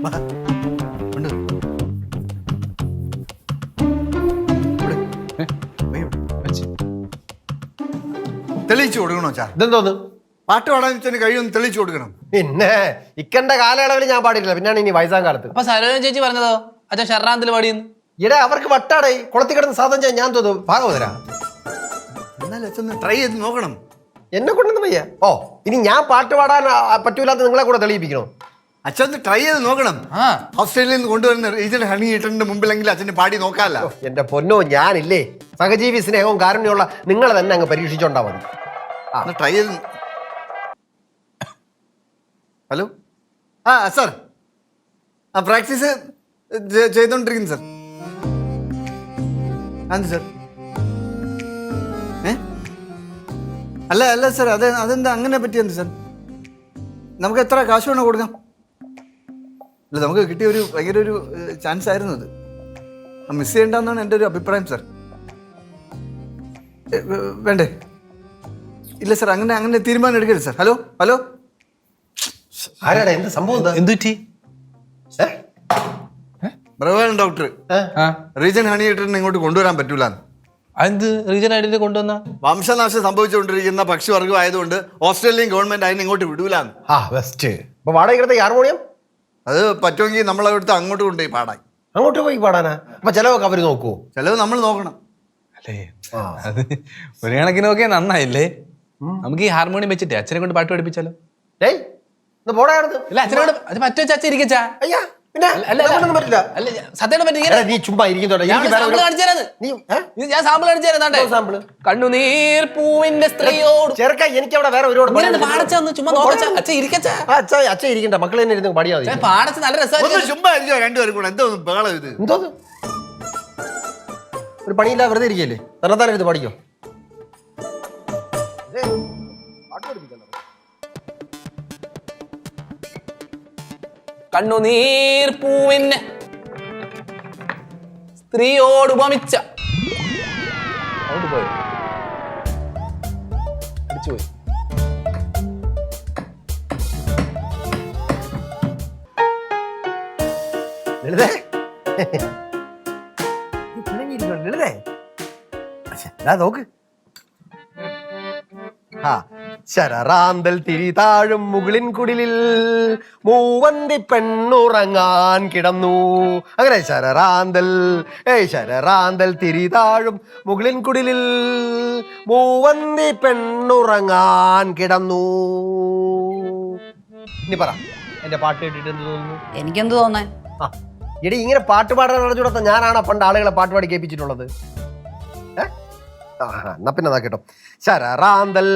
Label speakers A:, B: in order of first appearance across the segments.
A: തെളിയിച്ചു കൊടുക്കണോ ചാ?
B: ഇതെന്തോന്ന്
A: പാട്ട് പാടാൻ വെച്ചാൽ കഴിയൊന്ന് തെളിയിച്ചു കൊടുക്കണം.
B: പിന്നെ ഇക്കണ്ട കാലയളവിൽ ഞാൻ പാടിയില്ല, പിന്നാണ് ഇനി വയസ്സാം കാലത്ത്.
C: അപ്പൊ സരോജ ചേച്ചി പറഞ്ഞതോ അച്ഛൻ ഷർറാന്തിൽ പാടിയെന്ന്?
B: ഇടേ അവർക്ക് വട്ടാടേ കുളത്തി കിടന്ന് സാധനം ചെയ്യാൻ ഞാൻ തോന്നും ഭാഗവതരാ.
A: എന്നാലും അച്ഛൻ ട്രൈ ചെയ്ത് നോക്കണം.
B: എന്നെ കൊണ്ടൊന്നും വയ്യ. ഓ ഇനി ഞാൻ പാട്ട് പാടാൻ പറ്റൂലാത്ത നിങ്ങളെ കൂടെ തെളിയിപ്പിക്കണോ?
A: അച്ഛൻ ട്രൈ ചെയ്ത് നോക്കണം. ഓസ്ട്രേലിയയിൽ നിന്ന് കൊണ്ടുവരുന്ന റീജിയണൽ ഹണി ഈറ്ററിന്റെ മുമ്പിലെങ്കിൽ അച്ഛന് പാടി നോക്കാമല്ല.
B: എന്റെ പൊന്നോ, ഞാനില്ലേ സഹജീവി സ്നേഹവും കാരുണ്യമുള്ള നിങ്ങളെ തന്നെ അങ്ങ് പരീക്ഷിച്ചോണ്ടാ മതി.
A: ട്രൈ ചെയ്ത്. ഹലോ, സാർ, പ്രാക്ടീസ് ചെയ്തോണ്ടിരിക്കുന്നു സാർ. അത് സാർ അല്ല സാർ, അതെന്താ അങ്ങനെ പറ്റിയെന്ത് സാർ? നമുക്ക് എത്ര കാശ് വേണോ കൊടുക്കാം? അല്ല, നമുക്ക് കിട്ടിയ ഒരു ഭയങ്കര ഒരു ചാൻസ് ആയിരുന്നു അത്. മിസ് ചെയ്യേണ്ടെന്നാണ് എൻ്റെ ഒരു അഭിപ്രായം സാർ. വേണ്ടേ? ഇല്ല സാർ, അങ്ങനെ തീരുമാനം എടുക്കരുത് സാർ. ഹലോ
B: ആരാടാ? എന്ത് സംഭവം?
C: എന്തുറ്റി?
A: ബ്രവേൺ ഡോക്ടർ റീജൻ ഹണി ഈറ്ററിനെ ഇങ്ങോട്ട് കൊണ്ടുവരാൻ പറ്റൂല.
C: അതെന്ത് റീജൻ ആയിട്ട് കൊണ്ടുവന്ന?
A: വംശനാശം സംഭവിച്ചുകൊണ്ടിരിക്കുന്ന പക്ഷിവർഗം ആയതുകൊണ്ട് ഓസ്ട്രേലിയൻ ഗവൺമെന്റ് അതിനെ ഇങ്ങോട്ട് വിടൂലാന്ന്.
B: വാടകയ്ക്ക് ഹാർമോണിയം
A: അത് പറ്റുമെങ്കിൽ നമ്മളവിടുത്തെ അങ്ങോട്ട് കൊണ്ടുപോയി പാടാൻ.
B: അങ്ങോട്ട് പോയി പാടാനാ? അപ്പൊ ചെലവൊക്കെ അവര് നോക്കുവോ?
A: ചെലവ് നമ്മൾ നോക്കണം
C: അല്ലേ? അത് ഒരു കണക്കിന് നോക്കിയാൽ നന്നായില്ലേ? നമുക്ക് ഈ ഹാർമോണിയം വെച്ചിട്ട് അച്ഛനെ കൊണ്ട് പാട്ട് പഠിപ്പിച്ചാലോ?
B: ഏയ് പോടാ.
C: അല്ല അച്ഛനെ കൊണ്ട് അത് പറ്റുവെച്ച അച്ഛൻ ഇരിക്കച്ചാ.
B: അയ്യാ പിന്നെ
C: പറ്റില്ല. അല്ല സത്യം പറ്റില്ല.
B: നീ ചുമ്മാ ഇരിക്കുന്നോട്ടെ.
C: ഞാൻ സാമ്പിൾ കാണിച്ചു തരാം. സാമ്പിള് കണ്ണുനീർ പൂവിന്റെ സ്ത്രീയോട്
B: ചെറുക്ക എനിക്ക് അവിടെ വേറെ ഒരുപാട്
C: പാടച്ചൊന്ന് ചുമ്മാ നോക്കച്ചാ. അച്ഛൻ ഇരിക്കച്ചാ.
B: അച്ഛൻ ഇരിക്കണ്ട, മക്കൾ തന്നെ ഇരുന്ന് പാടിയാ മതി.
C: പാടച്ച് നല്ല രസമായിരുന്നു.
A: ചുമ്മാ ഇരിക്കോ രണ്ടുപേരും കൂടെ. എന്തോ ബഹളം ഇത്?
B: എന്തോ ഒരു പണിയില്ല, വെറുതെ ഇരിക്കല്ലേ? തന്നെത്താനെ എടുത്ത് പാടിക്കോ.
C: കണ്ണുനീർ പൂവിന് സ്ത്രീയോട് ഉപമിച്ച അങ്ങോട്ട് പോയോ? അടിച്ചുപോയി.
B: ലളിതേ നോക്ക്. ശരറാന്തൽ തിരി താഴും മുകളിൻ കുടിലിൽ മൂവന്തി പെണ്ണുറങ്ങാൻ കിടന്നു. അങ്ങനെ ശരറാന്തൽ തിരി താഴും മുകളിൻ കുടിലിൽ മൂവന്തി പെണ്ണുറങ്ങാൻ കിടന്നു. ഇനി പറ, എന്റെ പാട്ട് കേട്ടിട്ട് എന്ത് തോന്നുന്നു?
D: എനിക്കെന്ത് തോന്നാൻ?
B: എടി ഇങ്ങനെ പാട്ട് പാടാൻ അറിഞ്ഞൂടാത്ത ഞാനാണ് പണ്ട് ആളുകളെ പാട്ട് പാടി കേൾപ്പിച്ചിട്ടുള്ളത്. എന്നാ പിന്നെ അതാ കേട്ടോ. ശരറാന്തൽ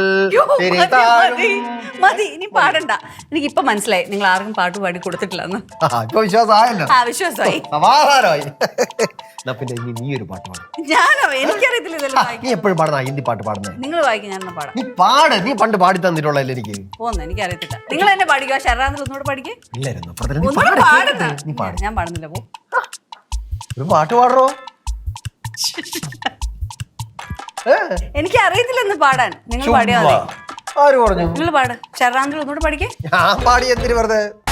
D: മതി, ഇനി പാടണ്ട. എനിക്ക് ഇപ്പൊ മനസ്സിലായി നിങ്ങൾ ആർക്കും പാട്ട് പാടി കൊടുത്തിട്ടില്ലെന്ന്.
B: ഇപ്പൊ വിശ്വാസമായല്ലോ.
D: വിശ്വാസമായി,
B: സമാധാനമായി. എന്നാ പിന്നെ ഇനി നീ ഒരു പാട്ട് പാടും.
D: ഞാനോ? എനിക്കറിയത്തില്ല.
B: നീ എപ്പോഴും പാടുന്ന ഹിന്ദി പാട്ട് പാടുന്നത്?
D: നിങ്ങൾ വായിക്കും, ഞാൻ പാടാം.
B: നീ പാട്, നീ പണ്ട് പാടി തന്നിട്ടുള്ളല്ലേ എനിക്ക്.
D: പോന്ന് എനിക്കറിയത്തില്ല. നിങ്ങൾ എന്നെ പാടിക്കോ. ശരറാന്തൽ ഒന്നുകൂടെ പാടിക്കേ. ഞാൻ പാടുന്നില്ല. പോ,
B: ഒരു പാട്ട് പാടറോ.
D: എനിക്ക് അറിയത്തില്ലെന്ന് പാടാൻ. നിങ്ങൾ പാടിയാ മതി.
B: ആര് പറഞ്ഞു?
D: നിങ്ങൾ പാട്. ശരറാന്തൽ ഒന്നുകൂടെ പാടിക്കേ.
B: ഞാൻ പാടി എന്തിനു വെറുതെ?